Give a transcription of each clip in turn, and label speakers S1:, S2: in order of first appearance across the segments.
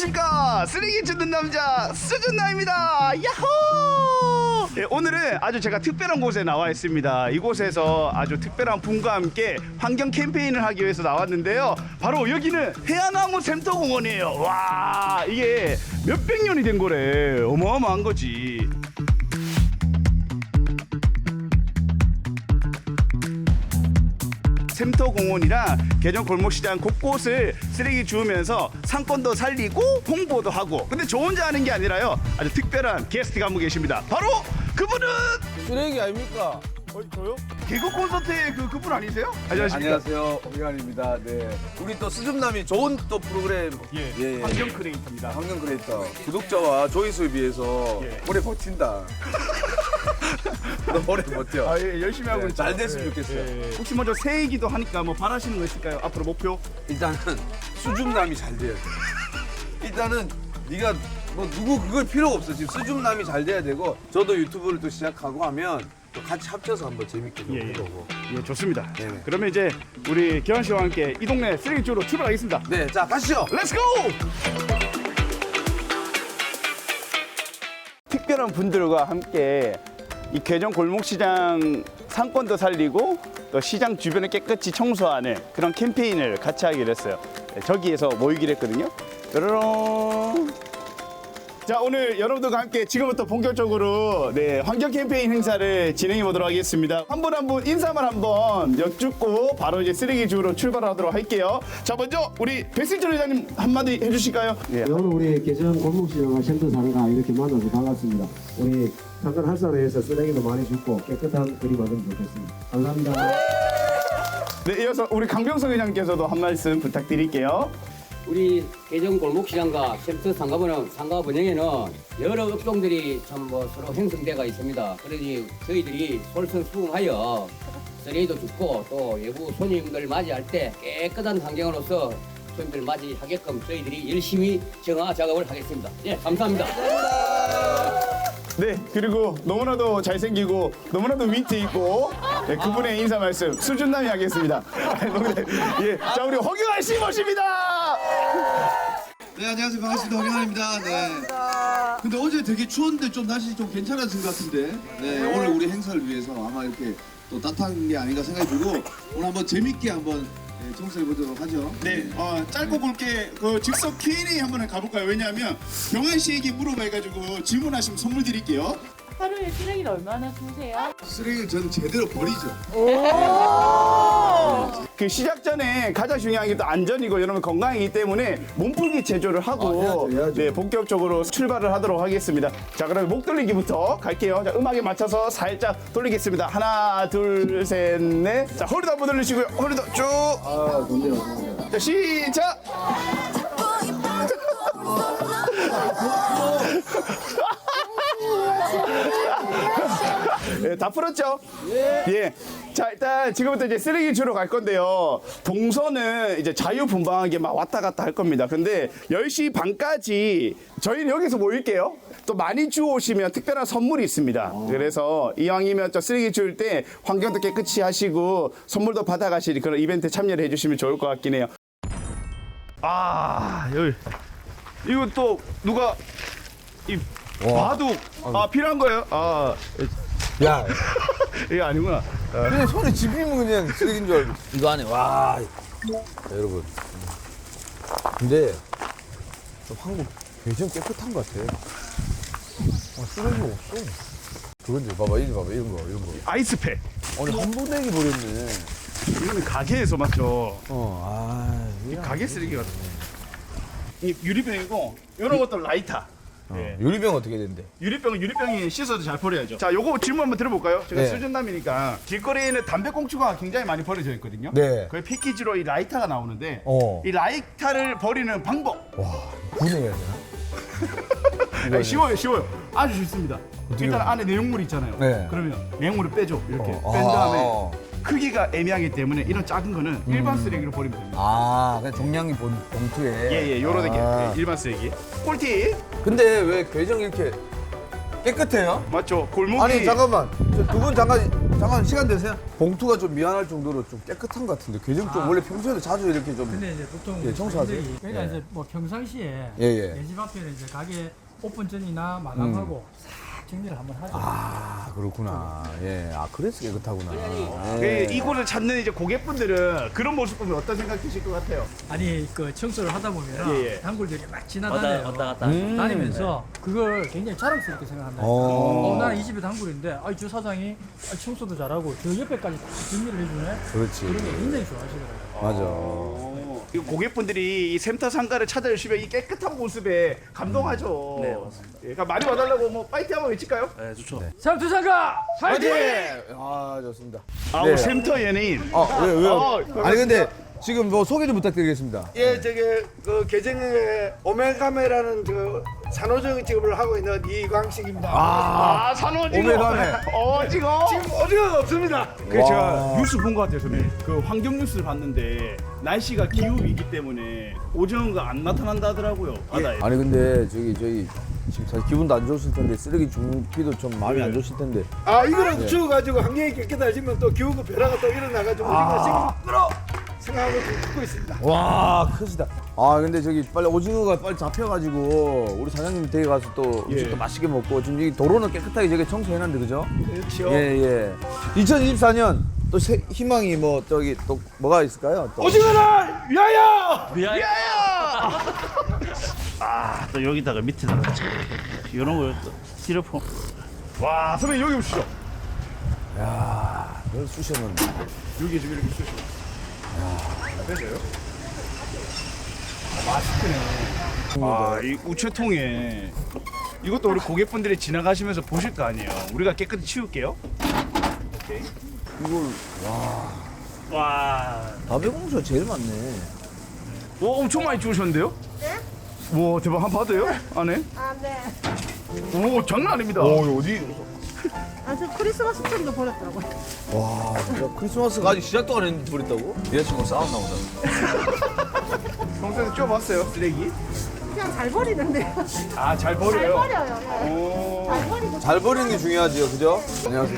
S1: 안녕하십니까, 쓰레기 줍는 남자 수준나입니다. 야호! 예, 오늘은 아주 제가 특별한 곳에 나와 있습니다. 이곳에서 아주 특별한 분과 함께 환경 캠페인을 하기 위해서 나왔는데요. 바로 여기는 해안나무 샘터공원이에요. 와, 이게 몇백 년이 된 거래. 어마어마한 거지. 샘터공원이랑 개정 골목시장 곳곳을 쓰레기 주우면서 상권도 살리고 홍보도 하고, 근데 저 혼자 하는 게 아니라요, 아주 특별한 게스트가 한 분 계십니다. 바로 그분은
S2: 쓰레기 아닙니까?
S1: 저요? 개그 콘서트의 그분 아니세요? 안녕하십니까?
S2: 안녕하세요, 홍현입니다. 네, 우리 또 수줍남이 좋은 또 프로그램
S1: 환경 크리에이터입니다.
S2: 환경 크리에이터 구독자와 조회수에 비해서
S1: 예.
S2: 오래 버틴다. 너 오래 버텨.
S1: 아, 예, 열심히 하고 있죠.
S2: 잘 됐으면 좋겠어요.
S1: 예. 혹시 먼저 새해이기도 하니까 뭐 바라시는 거 있을까요? 앞으로 목표?
S2: 일단은 수줍남이 잘 돼야 돼. 일단은 네가 뭐 누구 그걸 필요가 없어. 지금 수줍남이 잘 돼야 되고, 저도 유튜브를 또 시작하고 하면 또 같이 합쳐서 한번 재밌게 좀 해보고.
S1: 예, 좋습니다.
S2: 네네.
S1: 자, 그러면 이제 우리 기환 씨와 함께 이 동네 쓰레기 주우러 출발하겠습니다.
S2: 네, 자 가시죠.
S1: 렛츠고! 특별한 분들과 함께 이 개정 골목시장 상권도 살리고 또 시장 주변을 깨끗이 청소하는 그런 캠페인을 같이 하기로 했어요. 네, 저기에서 모이기로 했거든요. 뾰로롱. 자, 오늘 여러분들과 함께 지금부터 본격적으로 환경 캠페인 행사를 진행해 보도록 하겠습니다. 한 분 한 분 인사만 한번 여쭙고 바로 이제 쓰레기 주우러 출발하도록 할게요. 자, 먼저 우리 백승철 회장님 한마디 해주실까요? 예.
S3: 오늘 우리 개정 골목시장과 샘터 상가 이렇게 만나서 반갑습니다. 우리 상권 활성화해서 쓰레기도 많이 줍고 깨끗한 거리 만들면 좋겠습니다. 감사합니다.
S1: 네, 이어서 우리 강병석 회장님께서도 한 말씀 부탁드릴게요.
S4: 우리 개정 골목시장과 샘터 상가보는 상가 분양에는 여러 업종들이 참 뭐 서로 형성되어 있습니다. 그러니 저희들이 솔선수범하여 쓰레기도 줍고 또 외부 손님들 맞이할 때 깨끗한 환경으로서 손님들 맞이하게끔 저희들이 열심히 정화 작업을 하겠습니다. 예, 감사합니다.
S1: 네, 그리고 너무나도 잘생기고 너무나도 위트 있고 그분의 인사 말씀 수준남이 하겠습니다. 예, 자, 우리 허경환 씨 모십니다.
S5: 네, 안녕하세요. 반갑습니다. 허경환입니다. 네. 근데 어제 되게 추웠는데 좀 날씨 좀 괜찮아진 것 같은데, 네, 오늘 우리 행사를 위해서 아마 이렇게 또 따뜻한 게 아닌가 생각이 들고, 오늘 한번 재밌게 한번 청소해 보도록 하죠.
S1: 네, 짧고 굵게 그 즉석 Q&A 한번 가볼까요? 왜냐하면 경환 씨에게 물어봐가지고 질문하시면 선물 드릴게요.
S6: 하루에 쓰레기를 얼마나 주세요?
S5: 쓰레기를 저는 제대로 버리죠.
S1: 그 시작 전에 가장 중요한 게 또 안전이고 여러분 건강이기 때문에 몸풀기 제조를 하고
S5: 해야죠.
S1: 네, 본격적으로 출발을 하도록 하겠습니다. 자, 그럼 목 돌리기부터 갈게요. 자, 음악에 맞춰서 살짝 돌리겠습니다. 하나, 둘, 셋, 넷. 자, 허리도 한번 돌리시고요. 허리도 쭉.
S3: 아, 좋네요.
S1: 자, 시작. 예, 다 풀었죠? 예. 자, 일단 지금부터 이제 쓰레기 주러 갈 건데요. 동선은 이제 자유분방하게 막 왔다 갔다 할 겁니다. 근데 10시 반까지 저희는 여기서 모일게요. 또 많이 주워오시면 특별한 선물이 있습니다. 그래서 이왕이면 저 쓰레기 주울 때 환경도 깨끗이 하시고 선물도 받아가실 그런 이벤트에 참여를 해주시면 좋을 것 같긴 해요. 아, 여기. 이거 또 누가 이 바둑 필요한 거예요?
S2: 야,
S1: 이거 아니구나.
S2: 그냥 손에 집히면 그냥 쓰레기인 줄 알고. 이거 안에 와. 자, 여러분. 근데 한국 굉장히 깨끗한 것 같아. 쓰레기가 없어. 그건지 봐봐, 이거 봐봐, 이런 거.
S1: 아이스팩.
S2: 아니 한 번에 버렸네.
S1: 이거는 가게에서 맞죠.
S2: 이게
S1: 가게 쓰레기 같은. 이 유리병이고 이런 것도 라이터. 예.
S2: 유리병 어떻게 된대?
S1: 유리병이 씻어도 잘 버려야죠. 자, 요거 질문 한번 들어볼까요? 제가
S2: 네.
S1: 수준남이니까 길거리에는 담배꽁초가 굉장히 많이 버려져 있거든요.
S2: 네.
S1: 그 패키지로 이 라이터가 나오는데
S2: 어.
S1: 이 라이터를 버리는 방법.
S2: 분해해야 되나?
S1: 아니, 쉬워요. 아주 쉽습니다. 일단 안에 내용물 있잖아요.
S2: 네.
S1: 그러면 내용물을 빼줘. 이렇게 뺀 다음에 크기가 애매하기 때문에 이런 작은 거는 일반 쓰레기로 버리면 됩니다.
S2: 그냥 종량이 봉투에.
S1: 예, 요런 게 일반 쓰레기. 꿀팁.
S2: 근데 왜 괴정 이렇게 깨끗해요?
S1: 맞죠? 골목이
S2: 아니 잠깐만 두 분 잠깐 시간 되세요? 봉투가 좀 미안할 정도로 좀 깨끗한 것 같은데 계정 좀 원래 평소에도 자주 이렇게 좀
S7: 근데 이제 보통
S2: 예, 청소하세요?
S7: 저희들이 그러니까
S2: 예.
S7: 이제 뭐 평상시에
S2: 예, 예.
S7: 내 집 앞에는 이제 가게 오픈 전이나 마감하고 싹 정리를 한번 하죠.
S2: 아 그렇구나. 예, 아 그래서 깨끗하구나.
S1: 그
S2: 예.
S1: 이곳을 찾는 이제 고객분들은 그런 모습 보면 어떤 생각 드실 것 같아요?
S7: 아니 그 청소를 하다 보면
S1: 예, 예.
S7: 단골들이 막 지나다녀요.
S8: 왔다 갔다.
S7: 다니면서 그걸 굉장히 자랑스럽게 생각한다. 나는 이 집의 단골인데 주 사장이 청소도 잘하고 저 옆에까지 다 정리를 해주네.
S2: 그렇지.
S7: 그런 게 굉장히 좋아하시더라고요.
S2: 맞아.
S1: 이 고객분들이 이 샘터 상가를 찾아주시면 이 깨끗한 모습에 감동하죠.
S8: 네, 맞습니다.
S1: 예, 그러니까 많이 와달라고 뭐 파이팅 한번 외칠까요?
S8: 네, 좋죠.
S7: 삼투상가 파이팅!
S2: 아 좋습니다.
S1: 아,
S2: 네.
S1: 샘터 연예인.
S2: 왜요? 아니 근데 지금 뭐 소개 좀 부탁드리겠습니다.
S9: 예, 저게 그 계정에 오메가메라는 그 산호정 직업을 하고 있는 이광식입니다.
S1: 아, 산호지고.
S2: 오메가메.
S1: 지금.
S9: 지금 어디가 없습니다.
S1: 그래서 제가 뉴스 본 것 같아요, 선생님. 그 환경 뉴스를 봤는데 날씨가 기후 위기 때문에 오징어가 안 나타난다 하더라고요, 바다에.
S2: 아니 근데 저희 지금 사실 기분도 안 좋으실 텐데 쓰레기 줍기도 좀 마음이 안 좋으실 텐데.
S9: 아, 이거는 추워가지고 환경이 깨끗해지면 또 기후가 변화가 또 일어나가지고 우리가 지금 끌어 생각하고 지금 듣고 있습니다.
S2: 와 크시다. 아 근데 저기 빨리 오징어가 빨리 잡혀가지고 우리 사장님 댁에 가서 또 음식도 맛있게 먹고 지금 이 도로는 깨끗하게 저기 청소해놨는데 그죠?
S1: 그렇죠.
S2: 예. 2024년 또 희망이 뭐 저기 또 뭐가 있을까요? 또.
S9: 오징어를 위하여!
S8: 아, 또 여기다가 밑에다가 이런 거또 스티로폼.
S1: 와, 선배님 여기 오시죠.
S2: 야, 그걸 쑤셨는데.
S1: 여기 지금 이렇게 쑤시고. 되세요? 맛있네. 아, 이 우체통에 이것도 우리 고객분들이 지나가시면서 보실 거 아니에요. 우리가 깨끗이 치울게요. 오케이.
S2: 이걸
S1: 와,
S2: 다배공수가 제일 많네.
S1: 와, 엄청 많이 주우셨는데요? 네? 와, 대박. 한번 봐도요? 안에?
S10: 아, 네.
S1: 오, 장난 아닙니다.
S2: 어디?
S10: 아, 저 크리스마스 트리도 버렸더라고요.
S2: 와, 진짜 크리스마스가 아직 시작도 안 했는데 버렸다고? 여자친구 싸웠나 보다.
S1: 평소에 쪄봤어요, 쓰레기?
S10: 그냥 잘 버리는데요.
S1: 아, 잘
S10: 잘
S1: 버려요?
S10: 버려요. 네.
S1: 오.
S10: 잘 버리고.
S2: 잘 버리는 게 중요하지요, 그죠? 안녕하세요.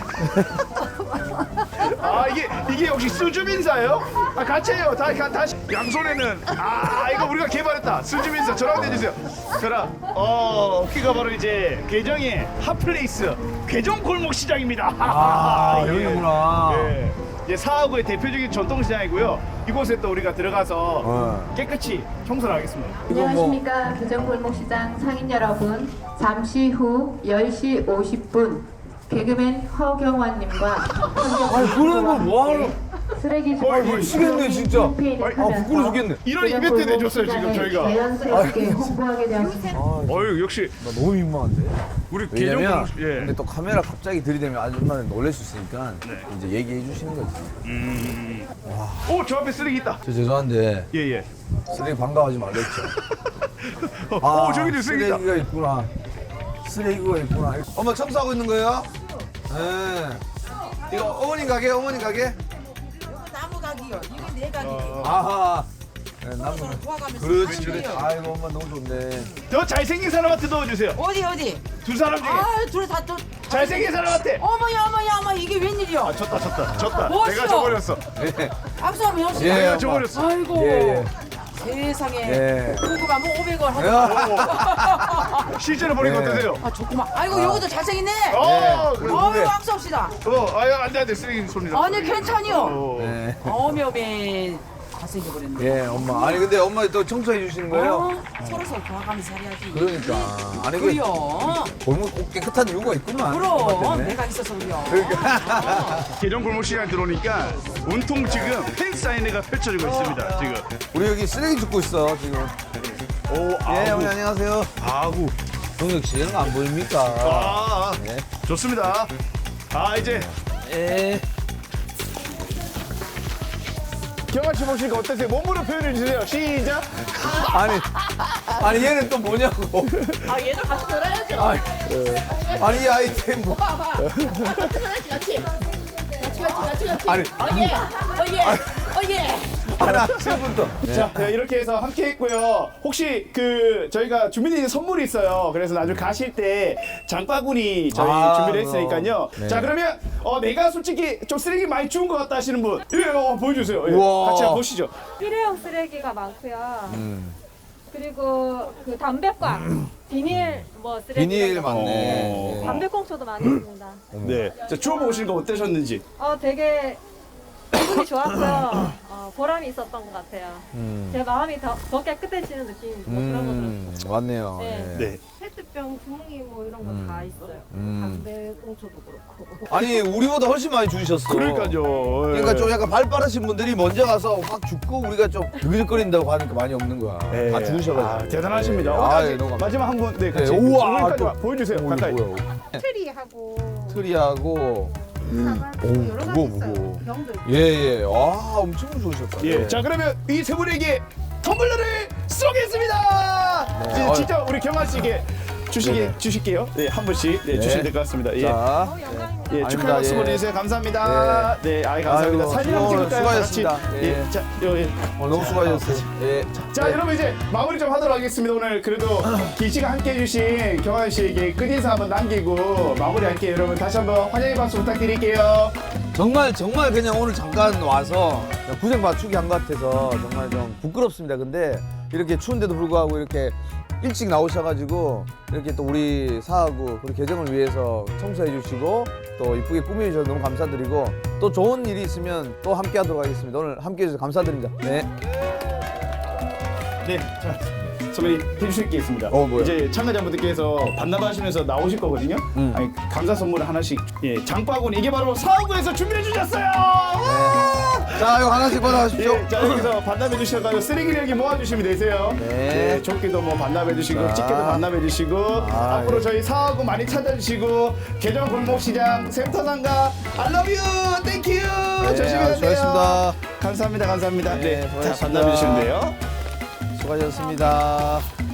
S1: 아, 이게 역시 수주민사예요? 아, 같이 해요. 다시. 양손에는. 아, 이거 우리가 개발했다. 수주민사. 저랑 대주세요. 저랑. 여기가 바로 이제 괴정의 핫플레이스. 괴정 골목시장입니다.
S2: 아,
S1: 예.
S2: 여기구나.
S1: 예. 예, 사하구의 대표적인 전통시장이고요. 이곳에 또 우리가 들어가서 깨끗이 청소를 하겠습니다.
S11: 안녕하십니까. 괴정골목시장 상인 여러분. 잠시 후 10시 50분 개그맨 허경환님과
S2: 그런 거 뭐하러?
S11: 쓰레기
S2: 미치겠네, 진짜.
S11: 캠페인을
S2: 부끄러워 죽겠네.
S1: 이런 이벤트 내줬어요, 지금 저희가.
S11: 자연스럽게 홍보하게 되었습니다.
S1: 어유 역시
S2: 나 너무 민망한데.
S1: 우리 괴정
S2: 왜냐면
S1: 골목. 예.
S2: 근데 또 카메라 갑자기 들이대면 아줌마는 놀랄 수 있으니까 이제 얘기해 주시는 거지.
S1: 오, 저 앞에 쓰레기 있다.
S2: 저 죄송한데
S1: 예.
S2: 쓰레기 반가워하지 말랬죠.
S1: 오, 저기도 쓰레기 있다.
S2: 쓰레기가 있구나. 쓰레기가 있구나. 엄마 청소하고 있는 거예요? 네. 이거 어머니 가게?
S10: 이거 나무 각이요. 이거 내 각이요.
S2: 아하. 네, 나무.
S10: 도와가면서.
S2: 그렇지. 아이고 엄마 너무 좋네.
S1: 더 잘생긴 사람한테 넣어주세요.
S10: 어디?
S1: 두 사람 중에
S10: 둘이 다 또.
S1: 잘생긴 사람한테.
S10: 어머야, 이게 웬일이야?
S1: 졌다.
S10: 뭐시오?
S1: 내가 져버렸어.
S10: 박수 한번 해봅시다.
S2: 예,
S1: 내가
S2: 엄마.
S1: 져버렸어.
S10: 아이고.
S2: 예.
S10: 세상에.
S2: 예.
S10: 고구마 뭐 500원 하고.
S1: 실제로 보니까
S2: 예.
S1: 어떠세요?
S10: 아, 좋구만. 아이고, 요것도 잘생겼네.
S1: 그래.
S10: 아유, 박수 합시다.
S1: 아유, 안 돼. 쓰레기 손이라.
S10: 아니, 괜찮이요.
S2: 네.
S10: 어메. 잘생겨버렸네.
S2: 예, 엄마. 아니 근데 엄마 또 청소해 주시는 거예요?
S10: 서로 도와가면서 해야지.
S2: 그러니까. 아니 그
S10: 그래요.
S2: 골목 꼭 깨끗한 이유가 있구만.
S10: 그럼
S2: 엄마 때문에.
S10: 내가 있어서 그래요.
S1: 개정 골목 시간 들어오니까 온통 지금 팬 사인회가 펼쳐지고 있습니다. 지금.
S2: 우리 여기 쓰레기 줍고 있어 지금.
S1: 오,
S2: 예, 어머니 안녕하세요.
S1: 아구.
S2: 동혁 씨, 이런 거 안 보입니까? 네.
S1: 좋습니다. 이제
S2: 예.
S1: 경아 씨 보시니까 어떠세요? 몸으로 표현해 주세요. 시작.
S2: 아니 얘는 또 뭐냐고.
S6: 얘도 같이 놀아야죠.
S2: 아니 이 아이템 뭐.
S6: 같이.
S2: 아니.
S6: 어예.
S2: 하나 지금부터.
S1: 자, 네, 이렇게 해서 함께 했고요. 혹시 그 저희가 준비된 선물이 있어요. 그래서 나중에 가실 때 장바구니 저희 준비를 했으니까요.
S2: 네.
S1: 자, 그러면 내가 솔직히 좀 쓰레기 많이 주운 것 같다 하시는 분, 보여주세요. 예,
S2: 우와.
S1: 같이 한번 보시죠.
S6: 일회용 쓰레기가 많고요. 그리고 그 담배꽝, 비닐 뭐 쓰레기.
S2: 비닐
S6: 이런 거.
S2: 맞네.
S6: 담배꽁초도 많이 있습니다.
S1: 네. 자, 주워보시는 거 어떠셨는지.
S6: 되게 기분이 좋았고요. 보람이 있었던 것 같아요. 제 마음이 더 깨끗해지는 느낌 뭐 그런 거 들었어요.
S2: 맞네요.
S6: 네.
S1: 네.
S6: 페트병 주머니 뭐 이런 거 다 있어요. 담배꽁초도 그렇고.
S2: 아니 우리보다 훨씬 많이 주셨어.
S1: 그러니까요.
S2: 그러니까 좀 약간 발 빠르신 분들이 먼저 가서 확 죽고 우리가 좀 드글거린다고 하니까 많이 없는 거야.
S1: 네.
S2: 다 주셔가지고.
S1: 대단하십니다.
S2: 네.
S1: 아직
S2: 너무 감사합니다.
S1: 마지막 한 분, 네, 같이.
S2: 네, 우와,
S1: 여기까지
S2: 또-
S1: 보여주세요.
S2: 이거
S1: 가까이.
S2: 뭐야?
S10: 트리하고
S2: 트리하고
S10: 사과도
S2: 오,
S10: 여러 가지
S2: 무거워,
S10: 있어요.
S2: 무거워.
S10: 병도 있고.
S2: 예예. 와 엄청 좋으셨다.
S1: 예.
S2: 네.
S1: 자, 그러면 이 세 분에게 텀블러를 쏘겠습니다.
S2: 네.
S1: 이제 진짜 우리 경환 씨에게
S2: 네네.
S1: 주실게요. 네, 한 분씩
S2: 네.
S1: 주시면 될 것 같습니다. 예.
S2: 자.
S1: 예,
S2: 아닙니다.
S1: 축하 박수
S2: 예.
S1: 보내주세요. 감사합니다. 네, 감사합니다.
S2: 아이고,
S1: 사진 한번 찍을까요? 다 같이?
S2: 수고하셨습니다.
S1: 예,
S2: 예.
S1: 자,
S2: 너무 수고하셨어요. 예.
S1: 자, 여러분 이제 마무리 좀 하도록 하겠습니다. 오늘 그래도 긴 시간 함께 해주신 경환 씨에게 끝인사 한번 남기고 마무리할게요. 여러분 다시 한번 환영의 박수 부탁드릴게요.
S2: 정말 그냥 오늘 잠깐 와서 고생 맞추기 한 것 같아서 정말 좀 부끄럽습니다. 근데 이렇게 추운데도 불구하고 이렇게 일찍 나오셔가지고 이렇게 또 우리 사하구 우리 계정을 위해서 청소해 주시고 또 이쁘게 꾸며 주셔서 너무 감사드리고 또 좋은 일이 있으면 또 함께 하도록 하겠습니다. 오늘 함께 해주셔서 감사드립니다. 네.
S1: 네, 자, 선배님 해주실 게 있습니다.
S2: 뭐요?
S1: 이제 참가자분들께서 반납하시면서 나오실 거거든요. 아니, 감사 선물을 하나씩, 예, 장바구니 이게 바로 사하구에서 준비해 주셨어요.
S2: 자, 이거 하나씩 받아가십시오.
S1: 예, 자, 여기서 반납해 주셔가지고 쓰레기를 여기 모아주시면 되세요.
S2: 네.
S1: 조끼도 뭐 반납해 주시고,
S2: 자.
S1: 집게도 반납해 주시고, 앞으로
S2: 예.
S1: 저희 사하구 많이 찾아주시고, 개정 골목시장 센터상가 I love you, thank you. 조심히 가세요.
S2: 수고하셨습니다.
S1: 감사합니다, 감사합니다.
S2: 네,
S1: 자,
S2: 수고하셨습니다.
S1: 반납해 주시면 돼요.
S2: 수고하셨습니다.